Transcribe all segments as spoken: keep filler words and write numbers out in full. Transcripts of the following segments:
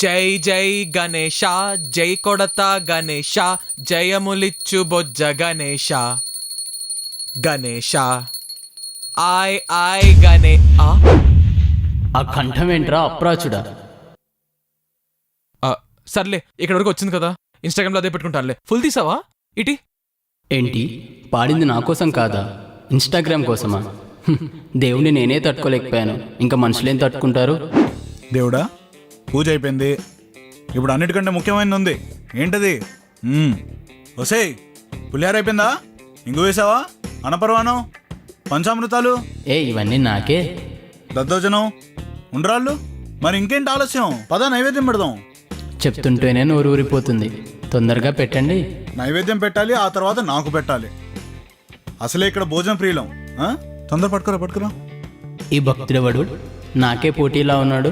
జై జై గణేష జై కొడత గణేష జయములిచ్చు బొజ్జ గణేష గణేష ఆయ్ ఆయ్ గణే ఆ? ఆ కంఠం ఏంట్రా అప్రాచుడా? ఆ, సర్లే ఇక్కడ వరకు వచ్చింది కదా, ఇన్స్టాగ్రామ్లో అదే పెట్టుకుంటానులే. ఫుల్ తీసావా ఇటీ? ఏంటి పాడింది నా కోసం కాదా, ఇన్స్టాగ్రామ్ కోసమా? హ్మ్, దేవుణ్ణి నేనే తట్టుకోలేకపోయాను, ఇంకా మనుషులేం తట్టుకుంటారు? దేవుడా, పూజ అయిపోయింది. ఇప్పుడు అన్నిటికంటే ముఖ్యమైనది ఉంది. ఏంటది? వసేయ్, పులిహార అయిపోయిందా? ఇంగు వేసావా? అనపర్వానం, పంచామృతాలు, ఏ ఇవన్నీ నాకే. దద్దోజనం, ఉండ్రాళ్ళు. మరి ఇంకేంటి ఆలస్యం? పద నైవేద్యం పెడదాం. చెప్తుంటేనే నోరు ఊరిపోతుంది, తొందరగా పెట్టండి. నైవేద్యం పెట్టాలి, ఆ తర్వాత నాకు పెట్టాలి. అసలే ఇక్కడ భోజనం ప్రియులం. ఆ? తొందర పట్టుకురా పట్టుకురా. ఈ భక్తుడెవడు నాకే పోటీలా ఉన్నాడు?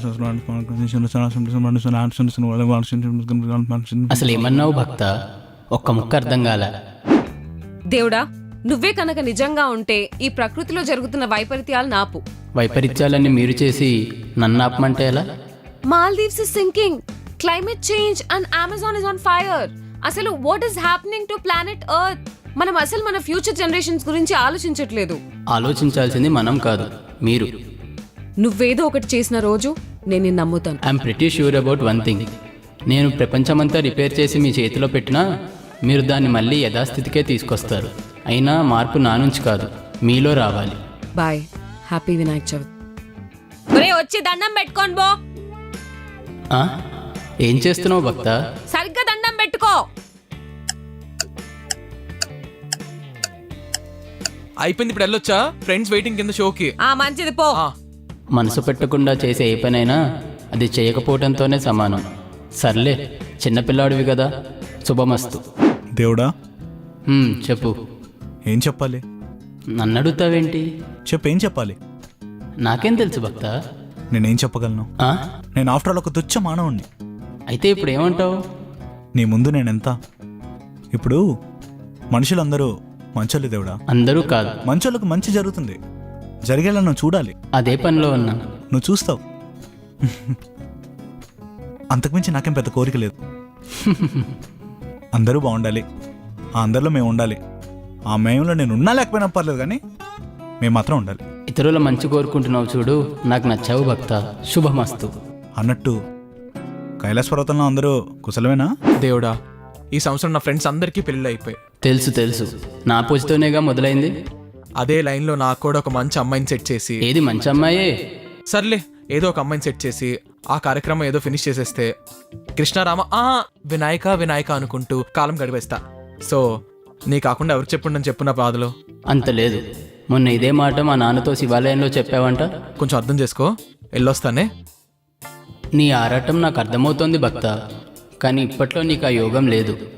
అసలు ఏమన్నావు భక్త? ఒక్క ముక్క అర్థం కాల. దేవుడా, నువ్వే కనుక నిజంగా ఉంటే ఈ ప్రకృతిలో జరుగుతున్న వైపరీత్యాలు నాపు. వైపరీత్యాలన్నీ మీరు చేసి నన్ను ఆపమంటే ఎలా? Maldives is sinking, climate change and Amazon is on fire. అసలు what is happening to planet earth? మనం అసలు మన ఫ్యూచర్ జనరేషన్స్ గురించి ఆలోచించట్లేదు. ఆలోచించాల్సింది మనం కాదు, మీరు. నువ్వేదో ఒకటి చేసిన రోజు నేను నిన్ను నమ్ముతాను. I'm pretty sure about one thing. నేను ప్రపంచమంతా రిపేర్ చేసి మీ చేతిలో పెట్టినా మీరు దాన్ని మళ్ళీ యథాస్థితికే తీసుకొస్తారు. అయినా మార్పు నా నుంచి కాదు, మీలో రావాలి. Bye, happy Vinayaka Chavithi. ఒరే, వచ్చి దండం పెట్టుకోండి బో. ఆ? ఏం చేస్తున్నావు భక్త? సరిగ్గా దండం పెట్టుకో. అయిపోయింది, ఇప్పుడు వెళ్ళొచ్చా? ఫ్రెండ్స్ వెయిటింగ్ కింద షోకి. ఆ మంచిది పో. ఆ, మనసు పెట్టకుండా చేసే ఏ పనైనా అది చేయకపోవడంతోనే సమానం. సర్లే, చిన్నపిల్లాడివి కదా, శుభమస్తు. దేవుడా, హ్మ్, చెప్పు. ఏం చెప్పాలి? నన్ను అడుగుతావేంటి? చెప్పేం చెప్పాలి? నాకేం తెలుసు భక్త? నేనేం చెప్పగలను? ఆ? నేను ఆఫ్టర్ ఆల్ ఒక తుచ్చ మానవుణ్ణి. అయితే ఇప్పుడు ఏమంటావు? నీ ముందు నేనెంత? ఇప్పుడు మనుషులందరూ మంచోళ్ళు దేవుడా. అందరూ కాదు, మంచోళ్ళకు మంచి జరుగుతుంది, జరిగేలా నువ్వు చూడాలి. అదే పనిలో ఉన్నా. నువ్వు చూస్తావు. అంతకుమించి నాకేం పెద్ద కోరిక లేదు. అందరూ బాగుండాలి, ఆ అందరిలో మేము ఉండాలి. ఆ మేములో నేను ఉన్నా లేకపోయినా పర్లేదు, కానీ మేము మాత్రం ఉండాలి. ఇతరుల మంచి కోరుకుంటున్నావు చూడు, నాకు నచ్చావు భక్త. శుభమస్తు. అన్నట్టు కైలాస పర్వతంలో అందరూ కుశలమేనా? దేవుడా, ఈ సంవత్సరం నా ఫ్రెండ్స్ అందరికీ పెళ్ళి అయిపోయి. తెలుసు తెలుసు, నా పూజతోనేగా మొదలైంది. అదే లైన్లో నాకు కూడా ఒక మంచి అమ్మాయిని సెట్ చేసి. ఏది మంచి అమ్మాయే? సర్లే, ఏదో ఒక అమ్మాయిని సెట్ చేసి ఆ కార్యక్రమం ఏదో ఫినిష్ చేసేస్తే కృష్ణారామ ఆ వినాయక వినాయక అనుకుంటూ కాలం గడిపేస్తా. సో నీ కాకుండా ఎవరు చెప్పుండని చెప్పు నా బాధలో. అంత లేదు. మొన్న ఇదే మాట మా నాన్నతో శివాలయంలో చెప్పావంట. కొంచెం అర్థం చేసుకో, వెళ్ళొస్తానే. నీ ఆరాటం నాకు అర్థమవుతోంది భక్త, కానీ ఇప్పట్లో నీకు ఆ యోగం లేదు.